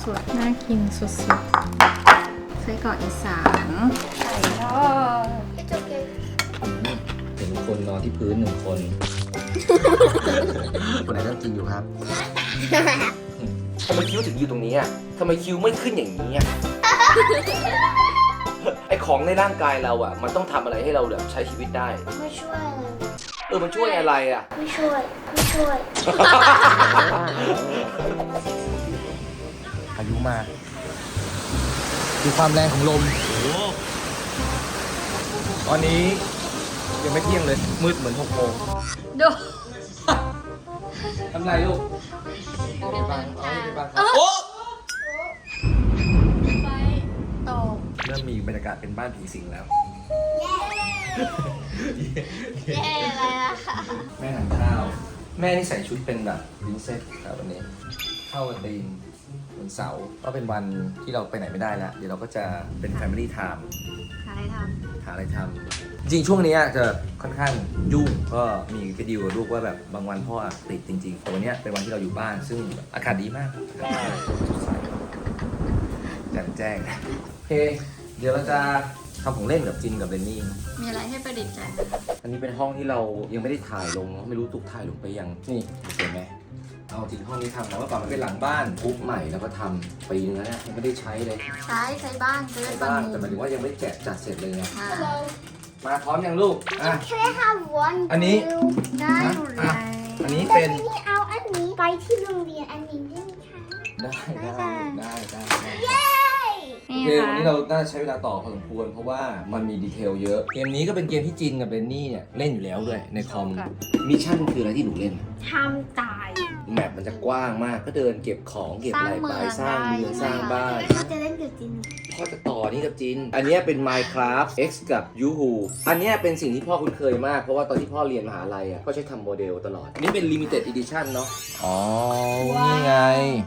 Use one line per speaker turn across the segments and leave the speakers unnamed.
สุดๆน่ากินสุดๆไส้กรอกอีสานไก่ทอด
It's okay.
เห็นคนนอนที่พื้น1 คน คนไหนต้องกินอยู่ครับ ทำไมคิ้วถึงอยู่ตรงนี้อ่ะทำไมคิ้วไม่ขึ้นอย่างนี้อ่ะ ไอของในร่างกายเราอ่ะ มันต้องทำอะไรให้เราแบบใช้ชีวิตได้
ไม่ช่วยอะไร
มันช่วยอะไรอ่ะ
ไม่ช่วย ไม่ช่วย
พายุมาดูความแรงของลมตอนนี้ยังไม่เที่ยงเลย มืดเหมือน6 โมง
ดู
ทำไรลูกไม่บังครับโอ้
ไฟตก
เริ่มมีบรรยากาศเป็นบ้านผีสิงแล้ว
เย้เลยอะค่ะ
แม่ทานข้าว แม่นี่ใส่ชุดเป็นแบบพรินเซสครับวันนี้ เข้าวันตีนวันเสาร์ก็เป็นวันที่เราไปไหนไม่ได้แล้ว เดี๋ยวเราก็จะเป็น Family Time
หาอะไรท
หาอะไรทำจริงช่วงนี้จะค่อนข้างยุ่งก็มีไปดีลกับลูกว่าแบบบางวันพ่อติดจริงๆแต่วันนี้เป็นวันที่เราอยู่บ้านซึ่งอากาศดีมากสดใสแจ่มแจ้งโอเค เดี๋ยวเราจะทำของเล่นกับจินกับเบนนี่
ำมีอะไรให้ประดิษฐ์ใจไหม
อันนี้เป็นห้องที่เรายังไม่ได้ถ่ายลงไม่รู้ตุกถ่ายลงไปยังนี่เห็นไหมเอาจริงห้องนี้ทำนะว่าก่อนมันเป็นหลังบ้านปุ๊บใหม่แล้วก็ทำปีนึงแล้วเนี่ยยังไม่ได้ใช้เลย
ใช้บ้างจะได้
ใช้
บาง
บ้าน
มุ
แต่หมาย
ม
ถึงว่ายังไม่ได้แกะจัดเสร็จเลยไง
อ่า
มาพร้อมยังลูกอ่ะ
Can I have one
อันนี้
blue?
ได้อยู่เล
อ่ะ
ย
อันนี้
แต่
เป็น
ทีนี้เอาอันนี้ไปที่โรงเรียนอันนี้ได้ไหมคะ
ได้
เย้
โอ
นี่
เค
ค่ะ
วันนี้เราน่าจะใช้เวลาต่อพอสมควรเพราะว่ามันมีดีเทลเยอะ เกมนี้ก็เป็นเกมที่จินกับเบนนี่เนี่ยเล่นอยู่แล้วด้วยในคอมมิชชั่นคืออะไรที่หนูเล่น
ทำตาย
แมปมันจะกว้างมากก็เดินเก็บของเก็บอะไรไปสร้างเมืองสร้างบ้าน
เขาจะเล่นกับจิน
พ่อจะต่อนี่กับจิน อันเนี้ยเป็น Minecraft X กับ Yoo-hoo อันเนี้ยเป็นสิ่งที่พ่อคุ้นเคยมาก เพราะว่าตอนที่พ่อเรียนมหาลัยอ่ะพ่อใช้ทำโมเดลตลอด อันนี้เป็น Limited Edition เนาะ อ๋อ นี่ไง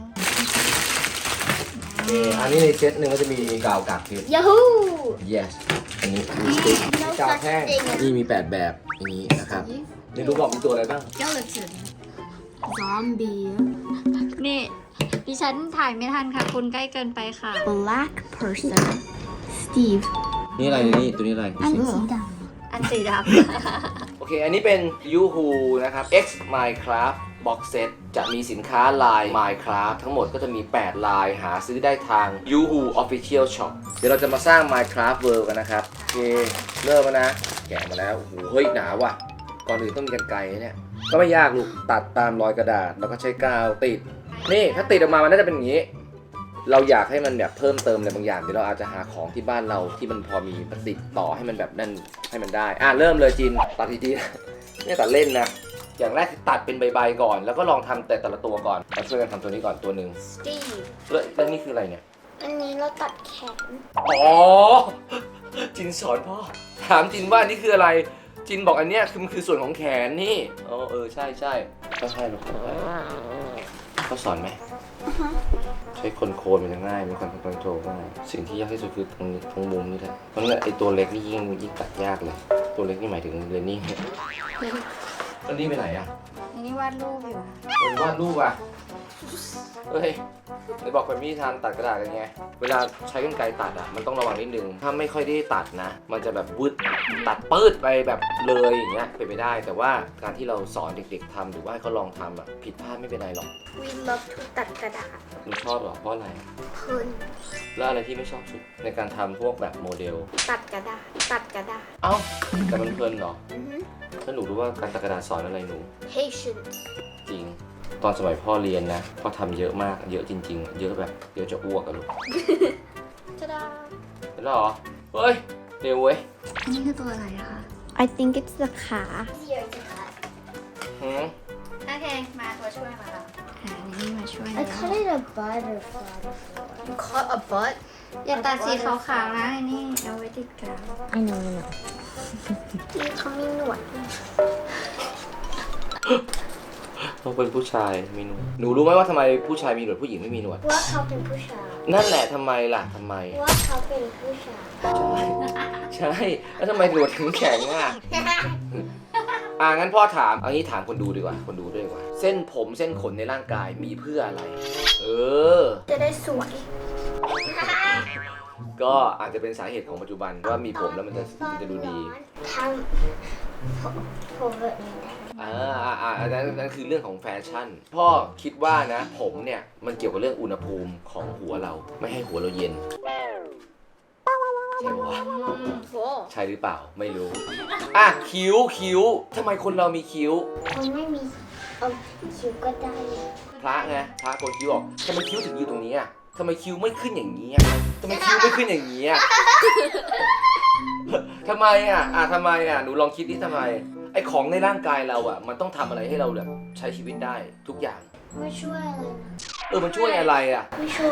อันนี้ในเซตหนึ่งก็จะมีกาวกากเพชร
Yahoo
yes อันนี้มีสติ๊กกาวแท่งนี่มี 8 แบบอย่างนี้นะครับนี่รู้บอกมีตัวอะไรบ้าง
เจ้าเหลือเกินซอมบี้นี่ดิฉันถ่ายไม่ทันค่ะ คุณใกล้เกินไปค่ะ
Black person Steve
นี่อะไรนี่ตัวนี้อะไร
อันสีด
อันสีด
โอเค อันนี้เป็น Yoo-hoo นะครับ X Minecraft Box Set จะมีสินค้าลาย Minecraft ทั้งหมดก็จะมี 8 ลายหาซื้อได้ทาง Yoo-hoo Official Shop เดี๋ยวเราจะมาสร้าง Minecraft World กันนะครับ โอเค เริ่มแล้วนะ แกะมาแล้ว โอ้โห เฮ้ย หนาว่ะ ก่อนอื่นต้องมีกรรไกรเนี่ย ก็ไม่ยากลูก ตัดตามรอยกระดาษ แล้วก็ใช้กาวติด นี่ ถ้าติดออกมา มันน่าจะเป็นอย่างนี้ เราอยากให้มันแบบเพิ่มเติมอะไรบางอย่าง เดี๋ยวเราอาจจะหาของที่บ้านเราที่มันพอมีติดต่อให้มันแบบนั่นให้มันได้ เริ่มเลยจิน ตัดทีๆเนี่ยตัดเล่นนะ อย่างแรกคือตัดเป็นใบๆก่อน แล้วก็ลองทำแต่ละตัวก่อนมาช่วยกันทำตัวนี้ก่อนตัวหนึ่ง
ำ Steve
แล้วนี่คืออะไรเนี่ย
อันนี้เราตัดแขน
อ๋อ จินสอนพ่อ ถามจินว่านี่คืออะไร จินบอกอันเนี้ยคือมันคือส่วนของแขนนี่ใช่ใช่ก็ใช่หรอกเขาสอนไหม ใช้คนโคนมันจะง่ายมีการคอนโทรลง่ายสิ่งที่ยากที่สุดคือตรงมุมนี่แหละเพราะงั้นไอตัวเล็กนี่ยิ่งตัดยากเลย ตัวเล็กนี่หมายถึงเรนนี่แล้วนี่ไปไหนอะ
ำอันนี้วาดรูปอยู่
เป็นวาดรูปอะเฮ้ยไหนบอกเป็นวิธีทางตัดกระดาษกันไงเวลาใช้กรรไกรตัดอะมันต้องระวังนิดนึงถ้าไม่ค่อยได้ตัดนะ มันจะแบบวืดตัดปื้ดไปแบบเลยอย่างเงี้ยเป็นไปได้ แต่ว่าการที่เราสอนเด็กๆทำหรือว่าให้เขาลองทำอะผิดพลาดไม่เป็นไรหรอก
We love to ตัดกระดาษ
คุณชอบหรอเพราะอะไร
เพิ่น
แล้วอะไรที่ไม่ชอบสุดในการทำพวกแบบโมเดล
ตัดกระดาษ ตัดกระดาษ
เอ้าแต่มันเพลินเหรอ
อือฮึ
ถ้าหนูรู้ว่าการตัดกระดาษสอนอะไรหนู
Patience
จริง ตอนสมัยพ่อเรียนนะพ่อทำเยอะมากเยอะจริง ๆ เยอะแบบเยอะจะอ้วกอะลูก
จะได้
เห็นแล้วเหรอเฮ้ยเร็วเว้ย
อันนี้คือตัวอะไรอะคะ
I think it's the ขา
หืม
โอเค มาตัวช่วยมาแล้วนี่มาช่วย
I cut it a butterfly You cut a butt?
อย่าตัดสีขาวๆนะอันนี้เอาไว้ติดกาว
I know ที่เขามีหนวด
ต้องเป็นผู้ชายมีหนวดหนูรู้ไหมว่าทำไมผู้ชายมีหนวดผู้หญิงไม่มีหนวด
ว่าเขาเป็นผู้ชาย
นั่นแหละทำไมล่ะทำไม
ว่าเขาเป็นผู้ชาย
ใช่แล้วทำไมหนวดถึงแข็งอ่ะงั้นพ่อถามเอางี้ถามคนดูดีกว่าคนดูด้วยดีกว่าเส้นผมเส้นขนในร่างกายมีเพื่ออะไร
จะได้สวย
ก็อาจจะเป็นสาเหตุของปัจจุบันว่ามีผมแล้วมันจะดูดี
ทำผมแบบนี้ได้
อันนั้นคือเรื่องของแฟชั่น พ่อคิดว่านะผมเนี่ยมันเกี่ยวกับเรื่องอุณหภูมิของหัวเราไม่ให้หัวเราเย็นใช่ปะวะ
โอ้
ใช่หรือเปล่าไม่รู้อ่ะคิ้วทำไมคนเรามีคิ้ว
คนไม่มีคิ้วก็ได้
พระไงพระโกนคิ้วออกทำไมคิ้วถึงอยู่ตรงนี้อ่ะทำไมคิ้วไม่ขึ้นอย่างนี้อ่ะทำไมคิ้วไม่ขึ้นอย่างนี้อ่ะ ทำไมอ่ะทำไมอ่ะหนูลองคิดดิทำไมไอ้ของในร่างกายเราอ่ะมันต้องทำอะไรให้เราแบบใช้ชีวิตได้ทุกอย่าง
ไม่ช่วยอะไรนะ
มันช่วยอะไรอ่ะ
ไม่ช่วย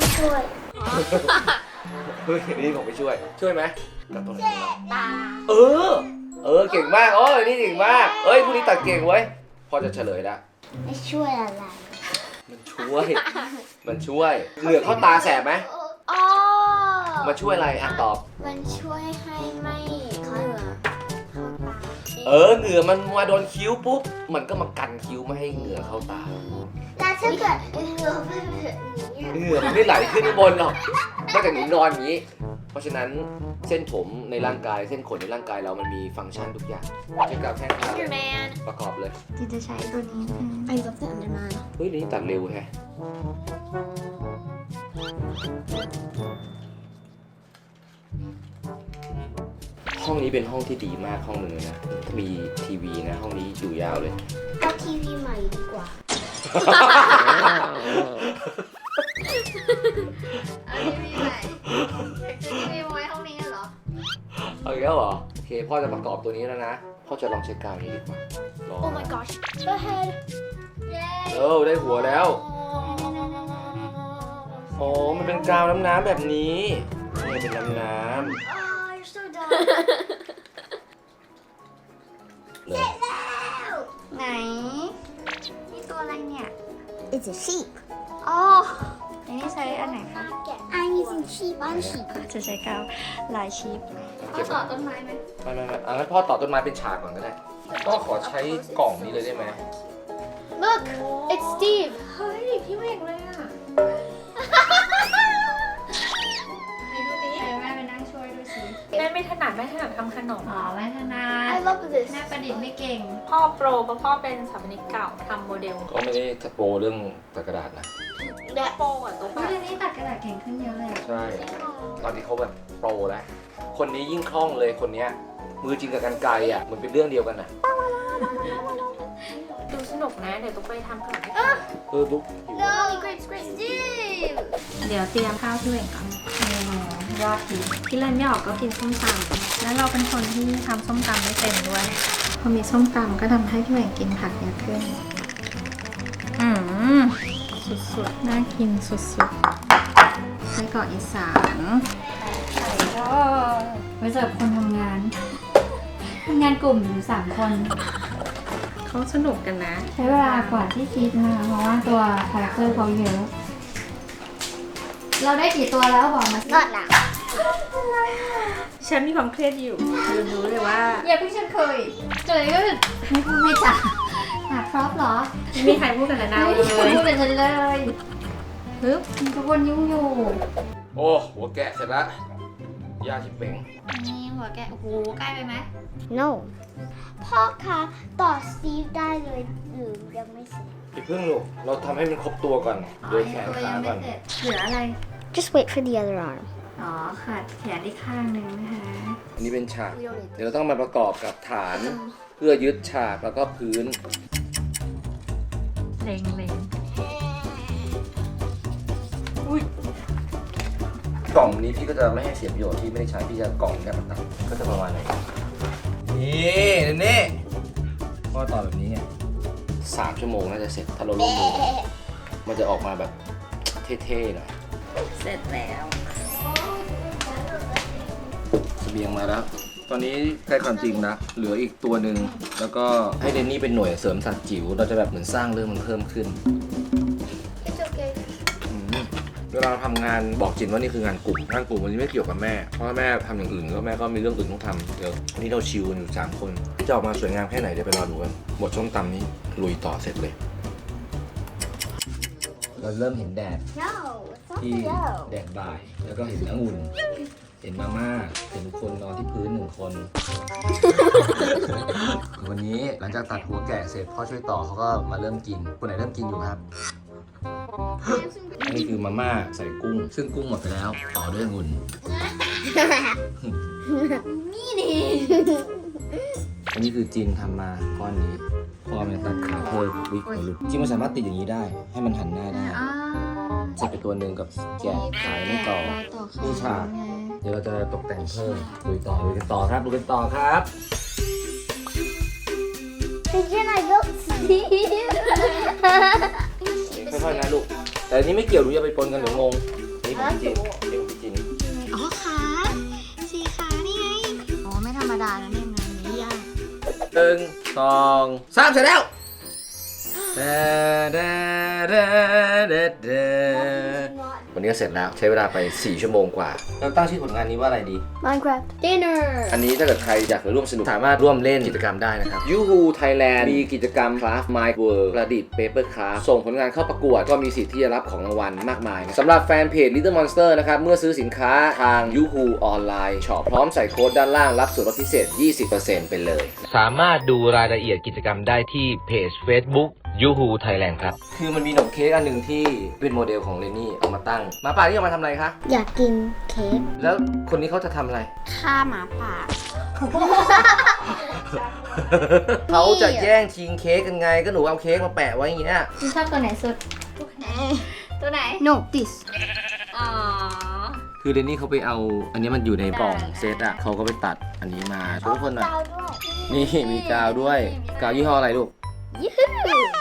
เฮ้ยนี่ผมไปช่วยไหมกับตัวไหนของเรา
ตา
เก่งมากนี่เก่งมากเอ้ยพวกนี้ตัดเก่งไว้ยพอจะเฉลยละ
ไม่ช่วยอะไร
มันช่วยเหงือกเข้าตาแสบไหม
อ๋อ
มาช่วยอะไรอ่ะตอบ
มันช่วยให้ไม่เขาเหรอเข้าตา
เหงื่อมันมาโดนคิ้วปุ๊บมันก็มากันคิ้วไม่ให้เหงื่อเข้าตา
แล้วถ้าเกิดเหงื่อเป็นแบบนี้
เหงื่อมันไม่ไหลขึ้นข้างบนหรอกนอกจากหนูนอนอย่างนี้ เพราะฉะนั้นเส้นผมในร่างกายเส้นขนในร่างกายเรามันมีฟังก์ชันทุกอย่างเช่นกับแข้งขา
แมน
ประกอบเลย
ที่จะใช้ตัวนี้ค่ะ
I love the Underman
เฮ้ยนี่ตัดเร็วแฮะห้องนี้เป็นห้องที่ดีมากห้องหนึ่งเลยนะมีทีวีนะห้องนี้อยู่ยาวเลย
เอาทีวีใหม่ดีกว่า
เอาทีวีไหนทีวีไว้ห้องนี้เหรอ
เอาอีกแล้วเหรอโอเคพ่อจะประกอบตัวนี้แล้วนะพ่อจะลองเช็คกาวนี้ดีกว่าลอง
Oh my gosh Go ahead
ได้หัวแล้วโอ้มันเป็นกาวน้ำแบบนี้นี่เป็นน้ำ
Oh you're so dumb
เลย
ไหนนี่ตัวอะไรเนี่ย
It's a sheep
อ๋ออันนี้ใช้อันไหนคะ
I'm using sheep on sheep
จะใช้กาวลายชีพ
เก็บ
ต่อต้นไม้ไหม
ไม่งั้นพ่อต่อต้นไม้เป็นฉากก่อนก็ได้พ่อขอใช้กล่องนี้เลยได้ไหม
Look it's Steve
เฮ้ยพี่เวกเลยอ่ะไหนดูดิแม่ไปนั่งช่วยดูสิ
แม่ไม่ถนัดทำขนม
อ๋อแม่ธนา
I love this
แม่ประดิษฐ์ไม่เก่ง
พ่อโปรเพราะพ่อเป็นสถาปนิกเก่าทำโมเดล
ก็ไม่ได้โปรเรื่องตัดกระดาษนะ
โปรอ่ะตัว
เฮ้ยเดี๋ยวนี้ตัดกระดาษเก่งขึ้นเยอะเลยอะ
ใช่ตอนนี้เขาแบบโปรแล้วคนนี้ยิ่งคล่องเลยคนเนี้ยมือจริงกับกันไกลอ่ะมันเป็นเรื่องเดียวกันน่ะ
ดูสนุกนะ เดี๋ยวตุ๊กไปทำขนมให้
บุ๊กหิว
No great great Steve
เดี๋ยวเตรียมข้าวที่เวงก่อนยอดดีที่เล่นไม่ออกก็กินส้มตำแล้วเราเป็นคนที่ทำส้มตำไม่เป็นด้วย พอมีส้มตำก็ทำให้พี่เวงกินผักเยอะขึ้นสุดๆน่ากินสุดๆไส้กรอกอีสาน
ไว้สำหรับคนทำงานกลุ่มอยู่3 คน
เขาสนุกกันนะ
ใช้เวลากว่าที่คิดนะคะเพราะว่าตัวคาแรคเตอร์เขาเยอะ เราได้กี่ตัวแล้วบอกมาสิ
Not now
ฉันมีความเครียดอยู่รู้เลยว่า
อย่าเพิ่งฉันเคยก็ไม่พูดไม่จ่าหาพร็อพเหรอ
ไม่มีใครพูดกันแล้วนะ
ไม่
เล
มีคน
ย
พูดกับฉันเลย
ปึ๊บ
ทุกคนยุ่งอยู่
โอ้หัวแกะเสร็จแล้วย่าชิบเป่ง
นี่หัวแกโอ้โหใกล้ไปไหม
No พ่อคะต่อ Steve ได้เลยหรือยังไม่เสร็จ
อย่าเพิ่งลูกเราทำให้มันครบตัวก่อนโดยแขน
ตัว
ขา
ยังไม่
ก่อน
เสร็จเหลืออะไร
Just wait for the other arm
อ๋อขาดแขนอีกข้างหนึ่งนะคะ
อันนี้เป็นฉากเดี๋ยวเราต้องมาประกอบกับฐานเพื่อยึดฉากแล้วก็พื้น
เล็ง
กล่องนี้พี่ก็จะไม่ให้เสียประโยชน์ที่ไม่ได้ใช้พี่จะกล่องแค่ประตับก็จะประมาณไหนนี่พ่อต่อแบบนี้ไง3 ชั่วโมงน่าจะเสร็จถ้าเราลงมือมันจะออกมาแบบเท่ๆหน่อย
เสร็จแล้ว
เสบียงมาแล้ว ตอนนี้ใกล้ความจริงนะเหลืออีกตัวหนึ่งแล้วก็ให้เดนนี่เป็นหน่วยเสริมสัตว์จิ๋วเราจะแบบเหมือนสร้างเรื่องมันเพิ่มขึ้น
It's okay
เวลาทำงานบอกจินว่านี่คืองานกลุ่มวันนี้ไม่เกี่ยวกับแม่เพราะว่าแม่ทำอย่างอื่นแล้วแม่ก็มีเรื่องอื่นต้องทำเดี๋ยววันนี้เราชิลกันอยู่3 คนจะออกมาสวยงามแค่ไหนเดี๋ยวไปรอดูกันบทส้มตำนี้ลุยต่อเสร็จเลยเราเริ่มเห็นแดด
No, it's
ที่
not
แดดบ่าย แล้วก็เห็นองุ่น เห็นมาม่า เห็นคนนอนที่พื้น1 คน วันนี้หลังจากตัดหัวแกะเสร็จพ่อช่วยต่อเขาก็มาเริ่มกิน คนไหนเริ่มกินอยู่ครับ อันนี้คือมาม่าใส่กุ้ง ซึ่งกุ้งหมดไปแล้ว ต่อด้วยองุ่น อันนี้คือจินทำมาก้อนนี้พอมันตัดขาเพิ่มวิกหัวหลุดจินมันสามารถติดอย่างนี้ได้ ให้มันหันหน้าได้
อ่า
เสร็จไปตัวหนึ่งกับแกะขายไม่ต่อ นี่ฉาก เดี๋ยวเราจะตกแต่งเพิ่มดูกันต่อครับดูกันต่อครับ
Can I go see?
ค่อยๆนะลูก แต่อันนี้ไม่เกี่ยวดูอย่าไปปนกันเดี๋ยวงง นี่ของพี่จินนี่ของพี่จิน
อ๋อขาสี่ขานี่ไงอ๋อไม่ธรรมดานะเนี่ยงานนี้ยาก
1 2 3เสร็จแล้ววันนี้ก็เสร็จแล้วใช้เวลาไป4 ชั่วโมงกว่าเราตั้งชื่อผลงานนี้ว่าอะไรดี
Minecraft dinner.
อันนี้ถ้าเกิดใครอยากจะร่วมสนุกสามารถร่วมเล่นกิจกรรมได้นะครับยูฮูไทยแลนด์มีกิจกรรม Craft My World ประดิษฐ์ Paper Craft ส่งผลงานเข้าประกวดก็มีสิทธิ์ที่จะรับของรางวัลมากมายนะสำหรับแฟนเพจ Little Monster นะครับ เมื่อซื้อสินค้าทางยูฮูออนไลน์ช็อปพร้อมใส่โค้ดด้านล่างรับส่วนลดพิเศษ 20% ไปเลย
สามารถดูรายละเอียดกิจกรรมได้ที่เพจ Facebook ยูฮูไทยแลนด์ครับ
คือมันมีขนมเค้กอันหนึ่งที่เป็นโมเดลของเรนนี่เอามาตั้งหมาป่าที่เอามาทำอะไรคะ
อยากกินเค้ก
แล้วคนนี้เขาจะทำอะไร
ฆ่าหมาป่า
เขาจะแย่งชิงเค้กกันไงก็หนูเอาเค้กมาแปะไว้อย่างเงี้ย
คุณชอบตัวไหนสุด ตัวไหน
No this
อ๋อ
คือเรนนี่เขาไปเอาอันนี้มันอยู่ในกล่องเซตอะเขาก็ไปตัดอันนี้มาช่วยทุกคนหน่อย
ดาวด้วย
นี่มีกาวด้วย กาวยี่ห้ออะไรลูก
ยูฮู